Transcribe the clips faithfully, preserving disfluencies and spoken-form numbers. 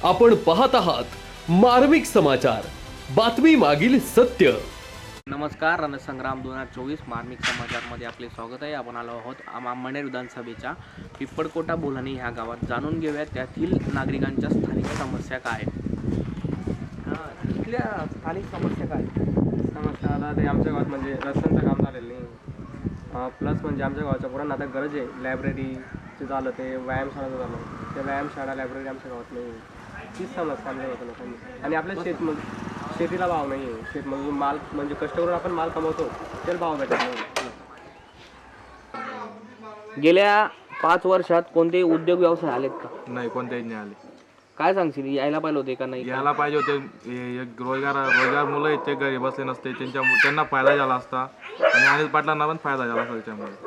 आपण पाहत आहात मार्मिक समाचार, बातमी मागील सत्य। नमस्कार, रणसंग्राम दोन हजार चोवीस मार्मिक समाचारमध्ये आपले स्वागत आहे। आपण आलो आहोत आंबनेर विधानसभेच्या पिप्पळकोटा बोलानी ह्या गावात। जाणून घेऊया त्यातील नागरिकांच्या स्थानिक समस्या काय आहेत। इथल्या स्थानिक समस्या काय समस्या आता ते आमच्या गावात म्हणजे रस्त्यांचं काम झालेलं नाही, प्लस म्हणजे आमच्या गावाच्या पुरांना आता गरज आहे लायब्ररीचं झालं, ते व्यायामशाळाचं झालं, ते व्यायामशाळा लायब्ररी आमच्या गावात नाही। तीच समस्या आमच्या गावात लोकांनी। आणि आपल्या शेतमज शेतीला भाव नाही आहे, शेतमजून माल म्हणजे कष्ट करून आपण माल कमवतो त्याला भाव भेटत नाही। गेल्या पाच वर्षात कोणते उद्योग व्यवसाय आलेत का? नाही, कोणत्याही नाही आले। काय सांगशील, यायला पाहिजे होते का नाही? यायला पाहिजे होते। एक रोजगार रोजगार मुलं आहेत ते घरी बसले नसते, त्यांच्या त्यांना फायदा झाला असता आणि अनिल पाटलांना पण फायदा झाला असता त्याच्यामुळे।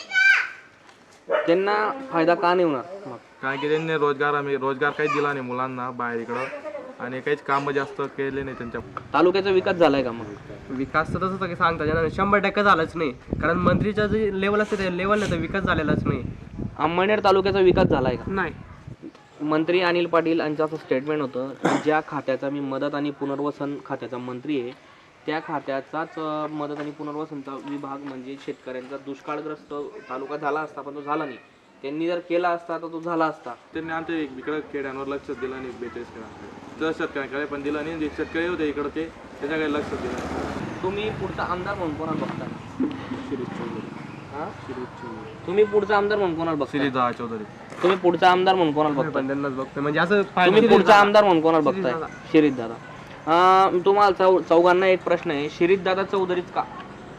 त्यांना फायदा का नाही होणार मग? कारण की त्यांनी रोजगार आम्ही रोजगार काही दिला नाही मुलांना बाहेर इकडं, आणि काहीच कामं जास्त केले नाही त्यांच्या। तालुक्याचा विकास झालाय का मग? विकास तर तसं काही सांगता येणार नाही, शंभर टक्के झालाच नाही, कारण मंत्रीचं जे लेवल असते त्या लेवलला तर विकास झालेलाच नाही। अंबनेर तालुक्याचा विकास झालाय का? नाही। मंत्री अनिल पाटील यांचं असं स्टेटमेंट होतं की ज्या खात्याचा मी मदत आणि पुनर्वसन खात्याचा मंत्री आहे, त्या खात्याचाच मदत आणि पुनर्वसनचा विभाग म्हणजे शेतकऱ्यांचा दुष्काळग्रस्त तालुका झाला असता, पण तो झाला नाही। त्यांनी जर केला असता तर तो झाला असता। त्यांनी आमच्या इकडं खेड्यांवर लक्ष दिलं नाही, बेचाळीस खेळांकडे तर शेतकऱ्यांकडे पण दिलं नाही, जे शेतकरी होते इकडं ते त्याच्याकडे लक्ष दिलं नाही। तुम्ही पुढचा आमदार म्हणून कोणाला बघता? शिरीष चौधरी। हां, शिरीष चौधरी। तुम्ही पुढचा आमदार म्हणून कोणाला बघता? शिरीष दहा चौधरी। तुम्ही पुढचा आमदार म्हणून कोणाला बघता? पण त्यांनाच बघतो म्हणजे असं तुम्ही पुढचा आमदार म्हणून कोणाला बघताय? शिरीष दादा। तुम्हाला चौ चौघांना एक प्रश्न आहे, शिरीष दादा चौधरीच का?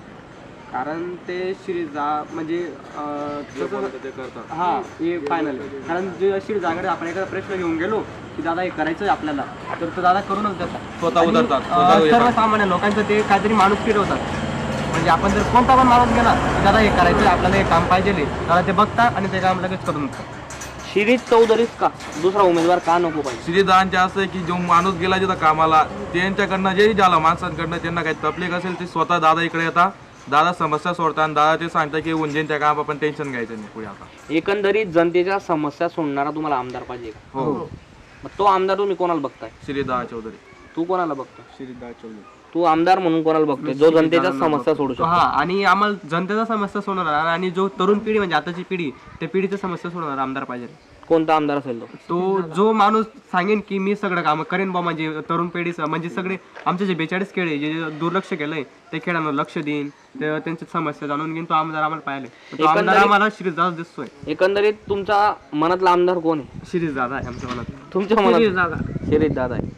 कारण ते शिरीजा म्हणजे जे बोलतात ते करतात। हा हे फायनल आहे, कारण जे शिरीजाकडे आपण एखादा प्रश्न घेऊन गेलो की दादा हे करायचं आहे आपल्याला, तर तो दादा करूनच देतात, स्वतः उतरतात, आणि, स्वतः अं, येतात। सर्वसामान्य लोकांचं ते काहीतरी माणूस फिरवतात। म्हणजे आपण जर कोणता पण माणूस गेला की दादा हे करायचं आहे आपल्याला, हे काम पाहिजे, दादा ते बघतात आणि ते काम लगेच करून देतात। शिरीष चौधरीच का? दुसरा उमेदवार का नको पाहिजे? श्रीदांचे असं आहे की जो माणूस गेला जिथं कामाला, त्यांच्याकडनं जे झालं माणसांकडनं त्यांना काही तकलीफ असेल ते स्वतः दादा इकडे येतात, दादा समस्या सोडतात आणि दादा ते सांगतात की उंजनच्या काम आपण टेन्शन घ्यायचं नाही पुढे। आता एकंदरीत जनतेच्या समस्या सोडणारा तुम्हाला आमदार पाहिजे का? हो। मग तो आमदार तुम्ही कोणाला बघताय? श्रीदा चौधरी। तू कोणाला बघतो? शिरीजा चौधरी। तू आमदार म्हणून कोणाला बघतोय जो जनतेच्या समस्या सोडू शकतो? हा, आणि आम्हाला जनतेचा समस्या सोडवणार आणि जो तरुण पिढी म्हणजे आताची पिढी, त्या पिढीच्या समस्या सोडवणार आमदार पाहिजे। कोणता आमदार असेल तो? तो जो माणूस सांगेन की मी सगळं काम करेन बा, म्हणजे तरुण पिढीचं म्हणजे सगळे आमचे जे बेचाळीस खेळ आहे जे जे दुर्लक्ष केलंय ते खेळांवर लक्ष देईन, ते त्यांची समस्या जाणून घेईन, तो आमदार आम्हाला पाहिले। तो आमदार आम्हाला शिरीष दादा दिसतोय। एकंदरीत तुमचा मनातला आमदार कोण आहे? शिरीष दादा आहे आमच्या मनात। तुमच्या मनात शिरीष दादा आहे।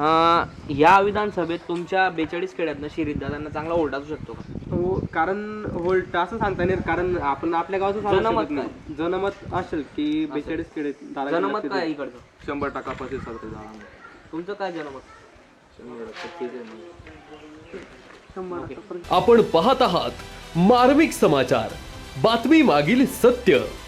या विधानसभेत तुमच्या बेचाळीस खेड्यातनं शिरीष दादांना चांगला ओढ असू शकतो का? हो, कारण होल्ट असं सांगता येईल, कारण आपण आपल्या गावाचं सांगू जनमत शकत नाही। जनमत असेल की बेचाळीस खेडे दादा जनमत काय इकडचं? शंभर टक्का प्रतिसाद ते झाला। तुमचं काय जनमत? आपण पाहत आहात मार्मिक समाचार, बातमी मागील सत्य।